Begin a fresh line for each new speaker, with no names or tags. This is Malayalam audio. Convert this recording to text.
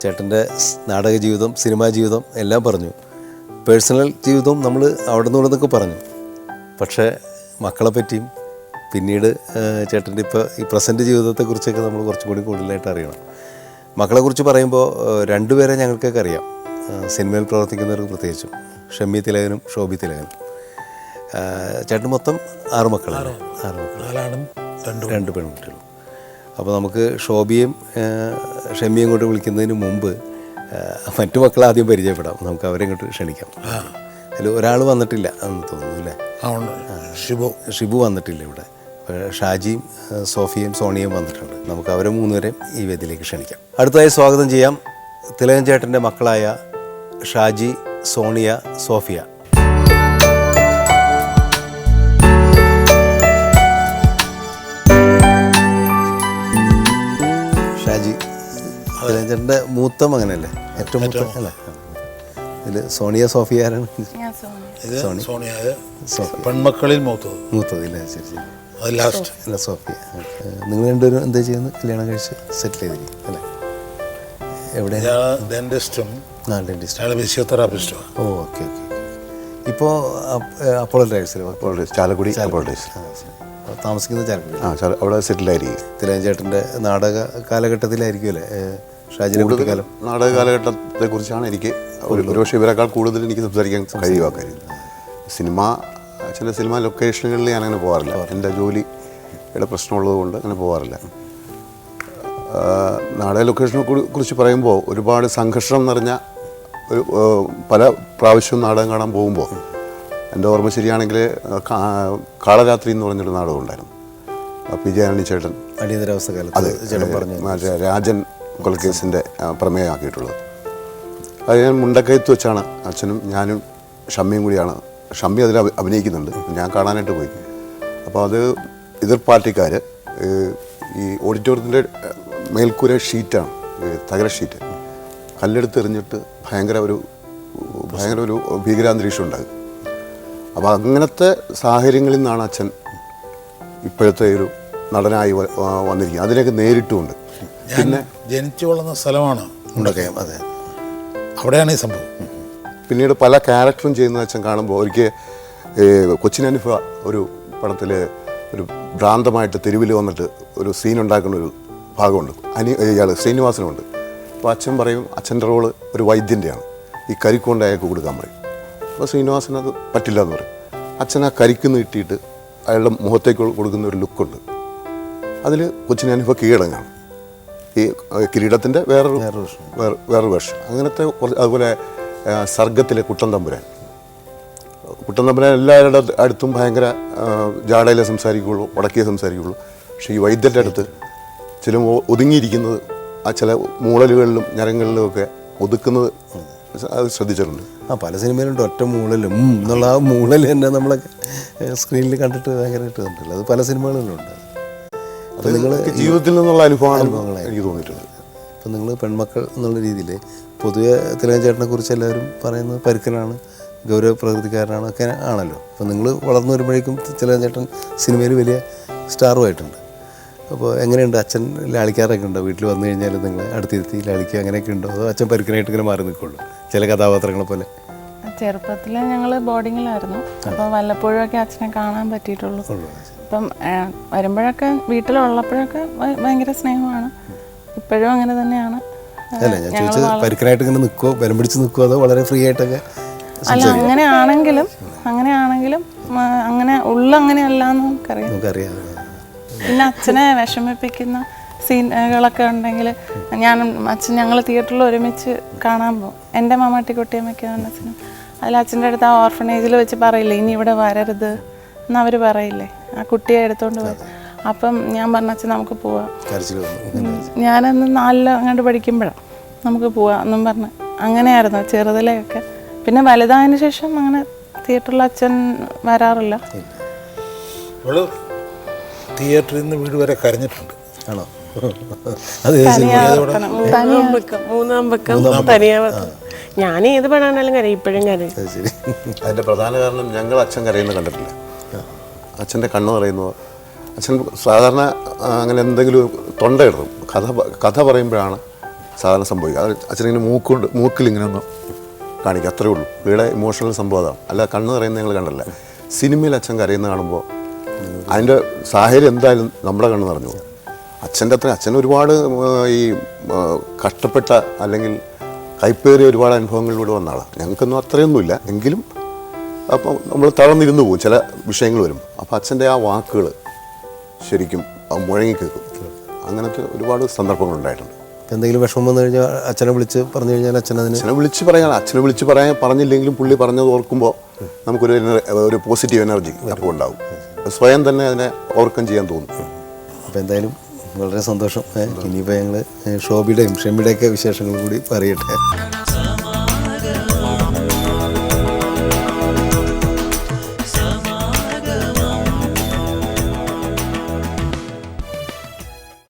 ചേട്ടൻ്റെ നാടക ജീവിതം, സിനിമാ ജീവിതം എല്ലാം പറഞ്ഞു. പേഴ്സണൽ ജീവിതവും നമ്മൾ അവിടെ നിന്നൊക്കെ പറഞ്ഞു. പക്ഷേ മക്കളെ പറ്റിയും പിന്നീട് ചേട്ടൻ്റെ ഇപ്പോൾ ഈ പ്രസൻറ്റ് ജീവിതത്തെക്കുറിച്ചൊക്കെ നമ്മൾ കുറച്ചും കൂടി കൂടുതലായിട്ട് അറിയണം. മക്കളെക്കുറിച്ച് പറയുമ്പോൾ രണ്ടുപേരെ ഞങ്ങൾക്കൊക്കെ അറിയാം, സിനിമയിൽ പ്രവർത്തിക്കുന്നവർക്ക് പ്രത്യേകിച്ചും, ഷമ്മി തിലകനും ശോഭി തിലകനും. ചേട്ടൻ മൊത്തം 6 മക്കളാണ്. 6 മക്കൾ, 2 പെൺകുട്ടികളും. അപ്പോൾ നമുക്ക് ശോഭിയും ഷമ്മിയും കൊണ്ട് വിളിക്കുന്നതിന് മുമ്പ് മറ്റു മക്കളെ ആദ്യം പരിചയപ്പെടാം. നമുക്ക് അവരെ ഇങ്ങോട്ട് ക്ഷണിക്കാം. അതിൽ ഒരാൾ വന്നിട്ടില്ല എന്ന് തോന്നുന്നു അല്ലേ? ഷിബു വന്നിട്ടില്ല ഇവിടെ. ഷാജിയും സോഫിയയും സോണിയയും വന്നിട്ടുണ്ട്. നമുക്ക് അവരെ 3 പേരെയും ഈ വേദിയിലേക്ക് ക്ഷണിക്കാം. അടുത്തതായി സ്വാഗതം ചെയ്യാം തിലകൻ ചേട്ടൻ്റെ മക്കളായ ഷാജി, സോണിയ, സോഫിയ. ഷാജി തിലകൻ ചേട്ടൻ്റെ മൂത്ത മകനല്ലേ? ഏറ്റവും മൂത്ത അല്ലേ? ഇതിൽ സോണിയ, സോഫിയ ആരാണ്?
പെൺമക്കളിൽ മൂത്തത്
ഇല്ലേ? ശരി ശരി. അല്ല സോഫിയ. നിങ്ങൾ രണ്ടുപേരും എന്താ ചെയ്യുന്നത്? കല്യാണം കഴിച്ച് സെറ്റിൽ ചെയ്തിരിക്കും അല്ലേ? എവിടെയാണ്?
ഡെന്റിസ്റ്റും
ഫിസിയോതെറാപ്പിസ്റ്റും. Oh okay okay. ഇപ്പോൾ അപ്പോളോ ഡ്രൈവ്സിൽ
ചാലക്കുടി അപ്പോളോ ഡ്രൈവ്സ്
താമസിക്കുന്നത് ചാലക്കുടി.
അവിടെ സെറ്റിലായിരിക്കും.
തിലകൻ ചേട്ടൻ്റെ നാടക കാലഘട്ടത്തിലായിരിക്കും അല്ലേ ഷാജിനെ കുട്ടിക്കാലം?
നാടക കാലഘട്ടത്തെക്കുറിച്ചാണ് എനിക്ക് ഒരുപക്ഷെ ഇവരെക്കാൾ കൂടുതൽ എനിക്ക് സംസാരിക്കാൻ കഴിയുക. കാര്യം ചില സിനിമ ലൊക്കേഷനുകളിൽ ഞാനങ്ങനെ പോകാറില്ല. എൻ്റെ ജോലിയുടെ പ്രശ്നമുള്ളത് കൊണ്ട് അങ്ങനെ പോകാറില്ല. നാടക ലൊക്കേഷനെ കുറിച്ച് പറയുമ്പോൾ ഒരുപാട് സംഘർഷം നിറഞ്ഞ ഒരു പല പ്രാവശ്യവും നാടകം കാണാൻ പോകുമ്പോൾ എൻ്റെ ഓർമ്മ ശരിയാണെങ്കിൽ കാളരാത്രി എന്ന് പറഞ്ഞൊരു നാടകം ഉണ്ടായിരുന്നു. വിജയാനന്ദി ചേട്ടൻ
അടിയന്തരാവസ്ഥ കാലത്ത്
രാജൻ കൊലക്കേസിൻ്റെ പ്രമേയമാക്കിയിട്ടുള്ളത്. അത് ഞാൻ മുണ്ടക്കയത്ത് വെച്ചാണ് അച്ഛനും ഞാനും ഷമ്മിയും കൂടിയാണ്. ഷമ്മി അതിൽ അഭിനയിക്കുന്നുണ്ട്. ഞാൻ കാണാനായിട്ട് പോയി. അപ്പോൾ അത് എതിർ പാർട്ടിക്കാർ ഈ ഓഡിറ്റോറിയത്തിൻ്റെ മേൽക്കൂര ഷീറ്റാണ്, തകര ഷീറ്റ്, കല്ലെടുത്ത് എറിഞ്ഞിട്ട് ഭയങ്കര ഒരു ഭീകരാന്തരീക്ഷം ഉണ്ടാകും. അപ്പോൾ അങ്ങനത്തെ സാഹചര്യങ്ങളിൽ നിന്നാണ് അച്ഛൻ ഇപ്പോഴത്തെ ഒരു നടനായി വന്നിരിക്കുന്നത്. അതിലേക്ക് നേരിട്ടുമുണ്ട്. പിന്നെ
ജനിച്ചു വളർന്ന സ്ഥലമാണ്
മുണ്ടക്കയം. അതെ,
അവിടെയാണ് ഈ സംഭവം.
പിന്നീട് പല ക്യാരക്ടറും ചെയ്യുന്ന അച്ഛൻ കാണുമ്പോൾ ഒരിക്കൽ കൊച്ചിനനുഭ ഒരു പടത്തിൽ ഒരു ഭ്രാന്തമായിട്ട് തെരുവിൽ വന്നിട്ട് ഒരു സീൻ ഉണ്ടാക്കുന്ന ഒരു ഭാഗമുണ്ട്. ഇയാൾ ശ്രീനിവാസനുണ്ട്. അപ്പോൾ അച്ഛൻ പറയും അച്ഛൻ്റെ റോള് ഒരു വൈദ്യൻ്റെയാണ്. ഈ കരിക്കൊണ്ട് അയാൾക്ക് കൊടുക്കാൻ പറയും. അപ്പോൾ ശ്രീനിവാസൻ അത് പറ്റില്ല എന്ന് പറയും. അച്ഛൻ ആ കരിക്ക് നീട്ടിയിട്ട് അയാളുടെ മുഖത്തേക്ക് കൊടുക്കുന്ന ഒരു ലുക്കുണ്ട്. അതിൽ കൊച്ചിനനുഭ കീഴടങ്ങാണ്. ഈ കിരീടത്തിൻ്റെ വേറൊരു വേർഷൻ. അങ്ങനത്തെ അതുപോലെ സർഗത്തിലെ കുട്ടൻ തമ്പുരാൻ എല്ലാവരുടെ അടുത്തും ഭയങ്കര ജാടയിലെ സംസാരിക്കുകയുള്ളൂ, ഉടക്കിയേ സംസാരിക്കുകയുള്ളൂ. പക്ഷേ ഈ വൈദ്യൻ്റെ അടുത്ത് ചില ഒതുങ്ങിയിരിക്കുന്നത് ആ ചില മൂളലുകളിലും ഞരങ്ങളിലും ഒക്കെ ഒതുക്കുന്നത് അത് ശ്രദ്ധിച്ചിട്ടുണ്ട്.
പല സിനിമയിലുണ്ട് ഒറ്റ മൂളലും എന്നുള്ള ആ മൂളൽ തന്നെ നമ്മളൊക്കെ സ്ക്രീനിൽ കണ്ടിട്ട് ഭയങ്കരമായിട്ട് കണ്ടിട്ടുള്ളത്. അത് പല സിനിമകളിലുണ്ട്. അപ്പോൾ നിങ്ങൾ
ജീവിതത്തിൽ നിന്നുള്ള അനുഭവങ്ങളാണ് എനിക്ക് തോന്നിയിട്ടുണ്ട്.
അപ്പോൾ നിങ്ങൾ പെൺമക്കൾ എന്നുള്ള രീതിയിൽ പൊതുവെ തിലകൻ ചേട്ടനെ കുറിച്ച് എല്ലാവരും പറയുന്നത് പരുക്കനാണ്, ഗൗരവ പ്രകൃതിക്കാരനാണ് ഒക്കെ ആണല്ലോ. അപ്പോൾ നിങ്ങൾ വളർന്നു വരുമ്പോഴേക്കും തിലകൻ ചേട്ടൻ സിനിമയിൽ വലിയ സ്റ്റാറുമായിട്ടുണ്ട്. അപ്പോൾ എങ്ങനെയുണ്ട് അച്ഛൻ ലാളിക്കാറൊക്കെ ഉണ്ടോ? വീട്ടിൽ വന്നു കഴിഞ്ഞാൽ നിങ്ങൾ അടുത്തിരുത്തി ലാളിക്കുക അങ്ങനെയൊക്കെ ഉണ്ടോ? അതോ അച്ഛൻ പരുക്കനായിട്ട് ഇങ്ങനെ മാറി നിൽക്കുള്ളൂ ചില കഥാപാത്രങ്ങളെ പോലെ?
ചെറുപ്പത്തിൽ ഞങ്ങൾ ബോർഡിങ്ങിലായിരുന്നു. അപ്പോൾ വല്ലപ്പോഴൊക്കെ അച്ഛനെ കാണാൻ പറ്റിയിട്ടുള്ളൂ. അപ്പം വരുമ്പോഴൊക്കെ വീട്ടിലുള്ളപ്പോഴൊക്കെ ഭയങ്കര സ്നേഹമാണ്. ഇപ്പോഴും അങ്ങനെ തന്നെയാണ്.
അല്ല ഞാൻ ചോദിച്ചത് പരുക്കനായിട്ട് ഇങ്ങനെ നിൽക്കുമോ, ബലം പിടിച്ച് നിൽക്കുമോ, അതോ വളരെ ഫ്രീ ആയിട്ടൊക്കെ?
അല്ല, അങ്ങനെയാണെങ്കിലും അങ്ങനെ അങ്ങനെയല്ല എന്ന് നമുക്കറിയാം. പിന്നെ അച്ഛനെ വിഷമിപ്പിക്കുന്ന സീനുകളൊക്കെ ഉണ്ടെങ്കിൽ ഞങ്ങൾ തിയേറ്ററിൽ ഒരുമിച്ച് കാണാൻ പോകും. എൻ്റെ മമ്മാട്ടിക്കുട്ടിയമ്മയ്ക്കാണ് അച്ഛനും. അതിൽ അച്ഛൻ്റെ അടുത്ത് ആ ഓർഫനേജിൽ വെച്ച് പറയില്ലേ ഇനി ഇവിടെ വരരുത് എന്നവർ പറയില്ലേ, ആ കുട്ടിയെ എടുത്തോണ്ട് പോയി. അപ്പം ഞാൻ പറഞ്ഞ അച്ഛൻ നമുക്ക് പോവാം, ഞാനന്ന് 4 അങ്ങോട്ട് പഠിക്കുമ്പോഴാണ് നമുക്ക് പോവാം എന്നും പറഞ്ഞ് അങ്ങനെയായിരുന്നു ചെറുതിലെയൊക്കെ. പിന്നെ വലുതായതിനു ശേഷം അങ്ങനെ തിയേറ്ററിൽ അച്ഛൻ വരാറില്ല.
തിയേറ്ററിൽ നിന്ന് വീട് വരെ കരഞ്ഞിട്ടുണ്ട്.
ആണോ?
മൂന്നാം പക്കം തനിയാവത്തം. ഞാൻ ഏത് പടാണെങ്കിലും കരയും, ഇപ്പോഴും കരയും.
അതിൻ്റെ പ്രധാന കാരണം ഞങ്ങൾ അച്ഛൻ കരയുന്നത് കണ്ടിട്ടില്ല. അച്ഛൻ്റെ കണ്ണ് പറയുന്നത് അച്ഛൻ സാധാരണ അങ്ങനെ എന്തെങ്കിലും തൊണ്ട ഇടും. കഥ പറയുമ്പോഴാണ് സാധാരണ സംഭവിക്കുക. അത് അച്ഛനിങ്ങനെ മൂക്കിൽ ഇങ്ങനെ ഒന്ന് കാണിക്കുക, അത്രേ ഉള്ളൂ. പുള്ളിയുടെ ഇമോഷണൽ സംഭവം അതാണ്. അല്ല കണ്ണ് കരയുന്ന ഞങ്ങൾ കണ്ടല്ല. സിനിമയിൽ അച്ഛൻ കരയുന്ന കാണുമ്പോൾ അതിൻ്റെ സാഹചര്യം എന്തായാലും നമ്മുടെ കണ്ണ് നിറഞ്ഞു പോകും. അച്ഛൻ ഒരുപാട് ഈ കഷ്ടപ്പെട്ട അല്ലെങ്കിൽ കൈപ്പേറിയ ഒരുപാട് അനുഭവങ്ങളിലൂടെ വന്ന ആളാണ്. ഞങ്ങൾക്കൊന്നും അത്രയൊന്നുമില്ല, എങ്കിലും അപ്പം നമ്മൾ തളർന്നിരുന്നു പോകും ചില വിഷയങ്ങൾ വരും. അപ്പോൾ അച്ഛൻ്റെ ആ വാക്കുകൾ ശരിക്കും മുഴങ്ങി കേൾക്കും. അങ്ങനത്തെ ഒരുപാട് സന്ദർഭങ്ങളുണ്ടായിട്ടുണ്ട്.
എന്തെങ്കിലും വിഷമം വന്നു കഴിഞ്ഞാൽ അച്ഛനെ വിളിച്ച് പറഞ്ഞു കഴിഞ്ഞാൽ അച്ഛനെ
വിളിച്ച് പറഞ്ഞില്ലെങ്കിലും പുള്ളി പറഞ്ഞത് ഓർക്കുമ്പോൾ നമുക്കൊരു പോസിറ്റീവ് എനർജി അപ്പോൾ ഉണ്ടാവും. സ്വയം തന്നെ അതിനെ ഓവർകം ചെയ്യാൻ തോന്നും.
അപ്പോൾ എന്തായാലും വളരെ സന്തോഷം. ഇനിയിപ്പോൾ ഞങ്ങൾ ഷോബിയുടെയും ഷെമിയുടെയൊക്കെ വിശേഷങ്ങൾ കൂടി പറയട്ടെ.